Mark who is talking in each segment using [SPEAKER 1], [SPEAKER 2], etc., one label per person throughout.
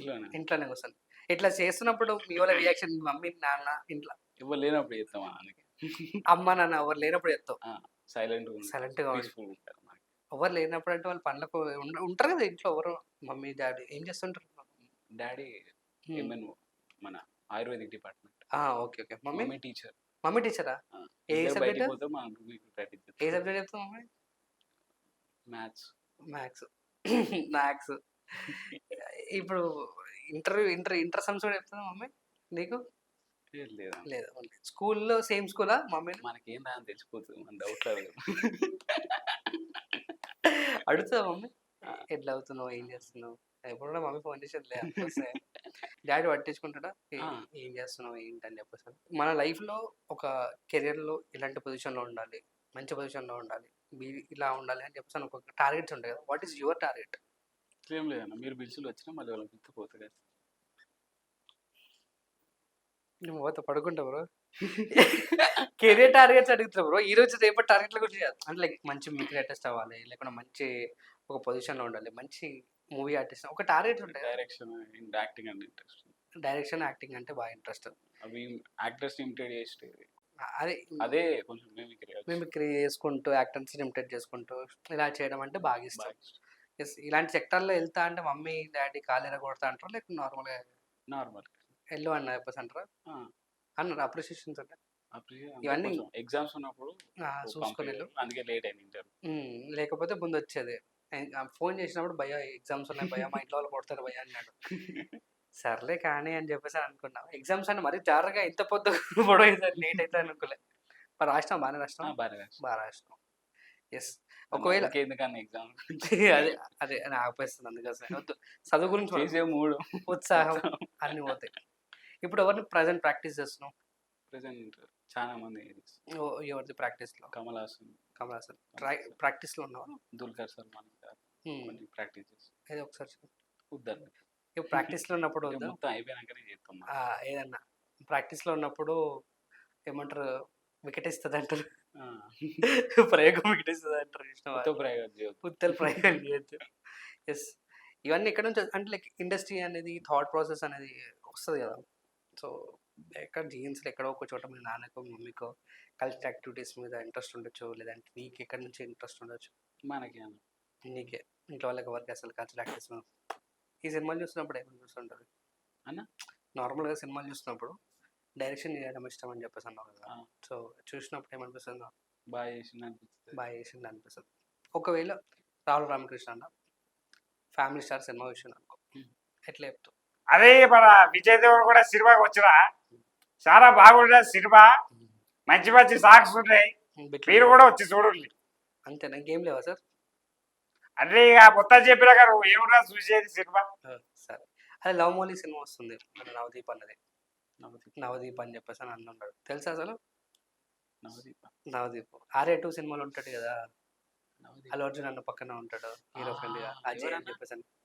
[SPEAKER 1] ఇంట్లోనే కూర్చొని. ఇట్లా చేస్తున్నప్పుడు మీ వాళ్ళ రియాక్షన్ మమ్మీ, నాన్న ఇంట్లో
[SPEAKER 2] ఎవరు లేనప్పుడు చేస్తామా అందుకే.
[SPEAKER 1] అమ్మ, నాన్న ఎవరు లేనప్పుడు చెప్తావు.
[SPEAKER 2] సైలెంట్‌గా ఉంటారు.
[SPEAKER 1] సైలెంట్‌గా ఉండు.
[SPEAKER 2] పీస్‌ఫుల్‌గా ఉంటారు మనకి.
[SPEAKER 1] ఎవరు లేనప్పుడు అంటే వాళ్ళ పనులకు ఉంటారు కదా ఇంట్లో ఎవరో మమ్మీ, డ్యాడీ ఏం చేస్తుంటారు?
[SPEAKER 2] Daddy
[SPEAKER 1] hmm.
[SPEAKER 2] ఎంఎన్ఓ మన ayurvedic department.
[SPEAKER 1] Okay. Okay. Mummy?
[SPEAKER 2] Mummy teacher.
[SPEAKER 1] మమ్మీ టీచరా? ఏ
[SPEAKER 2] ఇద్దరు బయటికి
[SPEAKER 1] సబ్జెక్ట్?
[SPEAKER 2] పోతాం మనం మీకు ప్రాక్టీస్
[SPEAKER 1] ఏ
[SPEAKER 2] చేస్తాం.
[SPEAKER 1] సబ్జెక్ట్ చెప్తావు మమ్మీ?
[SPEAKER 2] మ్యాథ్స్.
[SPEAKER 1] మ్యాథ్స్. మ్యాథ్స్. ఇప్పుడు ఇంటర్ సమ్స్ కూడా చెప్తుందా మమ్మీ నీకు?
[SPEAKER 2] లేదా
[SPEAKER 1] లేదు. ఓన్లీ స్కూల్‌లో సేమ్ స్కూలా మమ్మీని?
[SPEAKER 2] మనకేం రాదని తెలిసిపోతుంది. మన డౌట్‌లో
[SPEAKER 1] అడుగుతదా మమ్మీ?
[SPEAKER 2] ఆ!
[SPEAKER 1] ఎట్లా అవుతున్నావు? ఏం చేస్తున్నావు? ఎప్పుడు కూడా మమ్మీ ఫోన్ చేసేదిలే వస్తే. డ్యాడీ పట్టించుకుంటాడా?
[SPEAKER 2] ఆ!
[SPEAKER 1] ఏం చేస్తున్నావు? ఏంటని చెప్పేసని. మన లైఫ్‌లో ఒక కెరియర్‌లో ఇలాంటి పొజిషన్‌లో ఉండాలి. మంచి పొజిషన్‌లో ఉండాలి. ఇలా ఉండాలి అని చెప్పేసి ఒక టార్గెట్స్ ఉంటాయి కదా! What is your target?
[SPEAKER 2] ఏం లేదన్న. మీరు పిలిచిలు వచ్చినా మళ్ళీ వాళ్ళని పిలిస్తే పోతా కదా.
[SPEAKER 1] నువ్వు పోతే పడుకుంటా బ్రో. కెరియర్ టార్గెట్స్ అడుగుతున్నా బ్రో. ఈరోజు రేపటి టార్గెట్ల గురించి కాదు. అంటే లైక్ మంచి మిమిక్రీ ఆర్టిస్ట్ అవ్వాలి. లేకుంటే మంచి ఒక పొజిషన్‌లో ఉండాలి. మంచి మూవీ ఆర్టిస్ట్ ఒక టార్గెట్స్ ఉంటాయి కదా!
[SPEAKER 2] డైరెక్షన్ అండ్ యాక్టింగ్ అంటే ఇంట్రెస్ట్.
[SPEAKER 1] డైరెక్షన్, యాక్టింగ్ అంటే బాగా ఇంట్రెస్ట్.
[SPEAKER 2] అవి యాక్టర్స్‌ని ఇమిటేట్ చేసి
[SPEAKER 1] అదే
[SPEAKER 2] అదే కొంచెం మిమిక్రీ వచ్చు.
[SPEAKER 1] మిమిక్రీ చేసుకుంటూ, యాక్టర్స్‌ని ఇమిటేట్ చేసుకుంటూ ఇలా చేయడం అంటే బాగా ఇష్టం.
[SPEAKER 2] బాగా ఇష్టం.
[SPEAKER 1] యెస్. ఇలాంటి సెక్టార్‌లో ఎళ్తా అంటే మమ్మీ, డ్యాడీ కాళ్ళు ఇరగొడతా అంటారా? లేకపోతే నార్మల్‌గా
[SPEAKER 2] నార్మల్.
[SPEAKER 1] ఎళ్ళు అని చెప్పేసి అంటారా?
[SPEAKER 2] ఆ!
[SPEAKER 1] అన్నారు అప్రిషియేషన్స్ అంటే
[SPEAKER 2] అంటే
[SPEAKER 1] ఇవన్నీ
[SPEAKER 2] కొంచెం ఎగ్జామ్స్ ఉన్నప్పుడు
[SPEAKER 1] చూసుకొని ఎళ్ళు.
[SPEAKER 2] అందుకే లేట్ అయింది ఇంటర్వ్యూ.
[SPEAKER 1] లేకపోతే ముందొచ్చేది. ఫోన్ చేసినప్పుడు భయ్యా ఎగ్జామ్స్ ఉన్నాయి భయ్యా మా ఇంట్లో వాళ్ళు కొడతారు భయ్యా అన్నాడు. సర్లే కానీ అని చెప్పేసి అనుకున్నా. ఎగ్జామ్స్ అని మరీ జారుగా ఇంత పొద్దు పొడవు అయితది లేట్ అయితది అనుకోలే. మరి రాసినావా? బానే రాసినావా?
[SPEAKER 2] బాగా రాసిన.
[SPEAKER 1] బా రాసినావు. యెస్. ఒకవేళ
[SPEAKER 2] ఎందుకన్నా ఎగ్జామ్
[SPEAKER 1] అదే అదే అని ఆపేస్తుంది అందుకోసమే. వద్దు. చదువు గురించి
[SPEAKER 2] చేసే మూడు
[SPEAKER 1] ఉత్సాహం అన్నీ పోతాయి. ఇప్పుడు ఎవరిని ప్రెజెంట్ ప్రాక్టీస్ చేస్తున్నావు?
[SPEAKER 2] ప్రెసెంట్ చాలా మంది
[SPEAKER 1] ఎవరిది ప్రాక్టీస్‌లో?
[SPEAKER 2] కమల్ హాసన్,
[SPEAKER 1] కమల్ హాసన్. ప్రాక్టీస్‌లో ఉన్నావా?
[SPEAKER 2] దుల్కర్ సల్మాన్ గారు కొన్ని ప్రాక్టీస్ చేస్తాం.
[SPEAKER 1] ఏదో ఒకసారి చెప్పు.
[SPEAKER 2] వద్దండి.
[SPEAKER 1] ఇప్పుడు ప్రాక్టీస్‌లో ఉన్నప్పుడు
[SPEAKER 2] ఇక
[SPEAKER 1] వద్దా?
[SPEAKER 2] మొత్తం అయిపోయినాకనే చేస్తాం మనం.
[SPEAKER 1] ఏదన్నా ప్రాక్టీస్‌లో ఉన్నప్పుడు ఏమంటారు వికెట్ ఇస్తదంటారు.
[SPEAKER 2] ఆ.
[SPEAKER 1] ప్రయోగం వికెట్ ఇస్తదంటారు చూసినావా?
[SPEAKER 2] కొత్త ప్రయోగం చేయొద్దు.
[SPEAKER 1] ఉత్తర ప్రయోగాలు చేయొద్దు. యెస్. ఇవన్నీ ఎక్కడి నుంచి అంటే లైక్ ఇండస్ట్రీ అనేది థాట్ ప్రాసెస్ అనేది వస్తది కదా! సో, ఎక్కడ జీన్స్‌లో ఎక్కడో ఒక చోట మీ నాన్నకో, మమ్మీకో కల్చరల్ యాక్టివిటీస్ మీద ఇంట్రెస్ట్ ఉండొచ్చు. లేదంటే నీకు ఎక్కడి నుంచి ఇంట్రెస్ట్ ఉండొచ్చు.
[SPEAKER 2] మనకి అన్న.
[SPEAKER 1] నీకే. ఇంట్లో వాళ్ళకి ఎవరికి అసలు కల్చరల్ యాక్టివిటీస్ మీద ఈ సినిమాలు చూసినప్పుడు ఏమని చూస్తుంటారు?
[SPEAKER 2] అన్న?
[SPEAKER 1] నార్మల్‌గా సినిమాలు చూసినప్పుడు డైరెక్షన్ చేయడం ఇష్టం అని చెప్పేసి అన్నావు కదా!
[SPEAKER 2] ఆ.
[SPEAKER 1] సో, చూసినప్పుడు ఏమనిపిస్తుందో?
[SPEAKER 2] బాగా చేసింది అనిపిస్తుంది.
[SPEAKER 1] బాగా చేసింది అనిపిస్తది. ఒకవేళ రాహుల్ రామకృష్ణ అన్న ఫ్యామిలీ స్టార్ సినిమా చూసిండు అనుకో. ఎట్లా చెప్తావు?
[SPEAKER 3] అదే మన విజయ్ దేవర్ కూడా సినిమాకి వచ్చిన చాలా బాగుంటుంది సినిమా. మంచి మంచి సాంగ్స్ ఉన్నాయి. మీరు కూడా వచ్చి చూడండి.
[SPEAKER 1] అంతేనా? ఇంకేం లేవా సార్?
[SPEAKER 3] అంటే ఇక మొత్తం చెప్పినాక నువ్వు ఏమన్నా చూసేది సినిమా.
[SPEAKER 1] సరే. అదే లవ్ మోలీ సినిమా వస్తుంది. మన నవదీప్ అన్నది. నవదీప్ అని చెప్పేసి అని అన్నాడు. తెలుసా అసలు? నవదీప్. 'ఆర్య 2' సినిమాలో ఉంటాడు కదా! అల్లు అర్జున్ అన్న పక్కన ఉంటాడు. హీరో ఫ్రెండ్‌గా అజయ్ అని చెప్పేసి అని.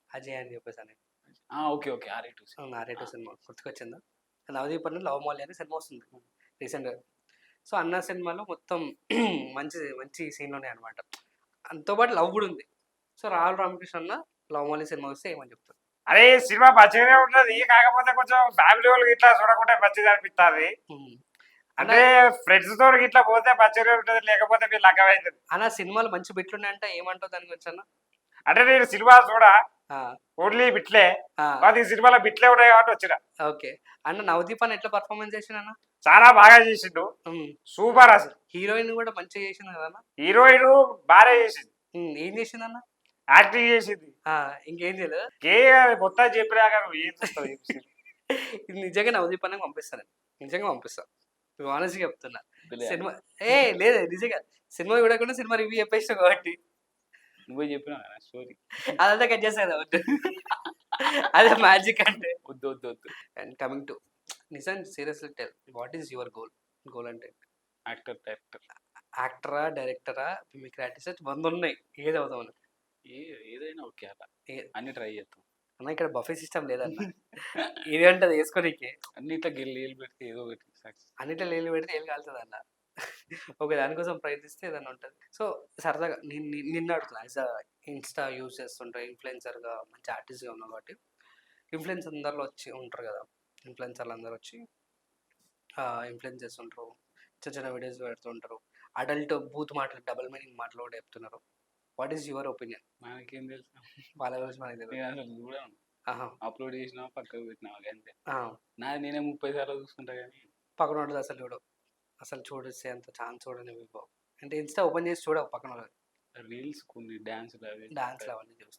[SPEAKER 2] ఓకే. ఓకే. ఆర్య
[SPEAKER 1] 2 సినిమా గుర్తుకొచ్చిందా? నవదీప్ అన్న లవ్ మోలీ అనే సినిమా వస్తుంది రీసెంట్‌గా. సో, అన్న సినిమాలో మొత్తం మంచి సీన్‌లు ఉన్నాయన్నమాట. దాంతో పాటు లవ్ కూడా ఉంది. సో, రాహుల్ రామకృష్ణ అన్న లవ్ మోలీ సినిమా వస్తే ఏమని చెప్తారు?
[SPEAKER 3] అదే సినిమా మంచిగానే ఉంటుంది. కాకపోతే కొంచెం ఫ్యామిలీ వాళ్ళకి ఇట్లా చూడకుంటే మంచిగా అనిపిస్తుంది. అంటే ఫ్రెండ్స్ తో ఇట్లా పోతే మంచిగానే ఉంటుంది. లేకపోతే మీరు లగ్గం అవుతుంది.
[SPEAKER 1] అన్న సినిమాలు మంచి బిట్లు ఉన్నాయంటే ఏమంటావు దాని గురించి అన్న?
[SPEAKER 3] అంటే నేను సినిమా చూడ ఓన్లీ బిట్లే. అది సినిమాలో బిట్లే ఉన్నాయి కాబట్టి వచ్చిన.
[SPEAKER 1] ఓకే. అన్న నవదీప్ అన్న ఎట్లా పర్ఫార్మెన్స్ చేసిండు అన్న?
[SPEAKER 3] చాలా బాగా చేసిండు. సూపర్ అసలు.
[SPEAKER 1] హీరోయిన్ కూడా మంచిగా చేసింది కదా?
[SPEAKER 3] హీరోయిన్ బాగా చేసింది.
[SPEAKER 1] ఏం చేసింది అన్న?
[SPEAKER 3] యాక్టింగ్ చేసింది.
[SPEAKER 1] ఇంకేం చేయలేదు.
[SPEAKER 3] మొత్తం చెప్పినాక నువ్వు ఏం చూస్తావు?
[SPEAKER 1] ఇది నిజంగా నవదీప్ అన్నకి పంపిస్తాను. నిజంగా పంపిస్తా. ఆనెస్ట్‌గా చెప్తున్నా. సినిమా లేదు నిజంగా సినిమా చూడకుండా సినిమా రివ్యూ చెప్పేసినావు కాబట్టి.
[SPEAKER 2] నువ్వే చెప్పినా స్టోరీ.
[SPEAKER 1] అదంతా కట్ చేస్తా కదా వద్దు. అదే మ్యాజిక్ అంటే.
[SPEAKER 2] వద్దు.
[SPEAKER 1] అండ్ కమింగ్ టు నిజం seriously tell what is your goal? Goal అంటే యాక్టరా, డైరెక్టరా, మిమిక్రీ ఆర్టిస్ట్ 100 ఉన్నాయి. ఏది అవుదామని?
[SPEAKER 2] ఏదైనా ఓకే అలా అన్ని ట్రై చేస్తాం.
[SPEAKER 1] అన్న ఇక్కడ బఫే సిస్టమ్ లేదన్న. ఇది ఉంటుంది వేసుకోనికి.
[SPEAKER 2] అన్నిట్లో గిల్లు పెడితే ఏదో ఒకటి
[SPEAKER 1] అన్నిట్లో నీళ్ళు పెడితే ఏళ్ళు కాలుతుంది అన్న. ఓకే దానికోసం ప్రయత్నిస్తే ఏదైనా ఉంటుంది. సో సరదాగా నిన్ను అడుగుతున్నా యాజ్ ఇన్స్టా యూజ్ చేస్తుంటా ఇన్ఫ్లుయెన్సర్గా మంచి ఆర్టిస్ట్గా ఉన్నావు కాబట్టి ఇన్ఫ్లుయెన్స్ అందరిలో వచ్చి ఉంటారు కదా, ఇన్ఫ్లుయెన్సర్లు అందరూ వచ్చి ఇన్ఫ్లుయెన్స్ చేస్తుంటారు, చిన్న చిన్న వీడియోస్ పెడుతుంటారు, అడల్ట్ బూత్ మాటలు డబుల్ మీనింగ్ మాటలు కూడా చెప్తున్నారు. What is your opinion?
[SPEAKER 2] మనకేం తెలుసు,
[SPEAKER 1] వాళ్ళ గురించి మనకి తెలియదు.
[SPEAKER 2] నేను అసలు చూడను.
[SPEAKER 1] ఆహా,
[SPEAKER 2] అప్లోడ్ చేసినా పక్కకు పెట్టినా అంతే.
[SPEAKER 1] ఆ,
[SPEAKER 2] నేనే 30 సార్లు చూసుకుంటా కానీ
[SPEAKER 1] పక్కన ఉంటుంది అసలు చూడు, అసలు చూడొచ్చే అంత ఛాన్స్ చూడని అంటే ఇన్స్టా ఓపెన్ చేసి చూడవు పక్కన
[SPEAKER 2] రీల్స్ కొన్ని డ్యాన్సులు అవి
[SPEAKER 1] డాన్స్లు అవన్నీ చూస్తాను.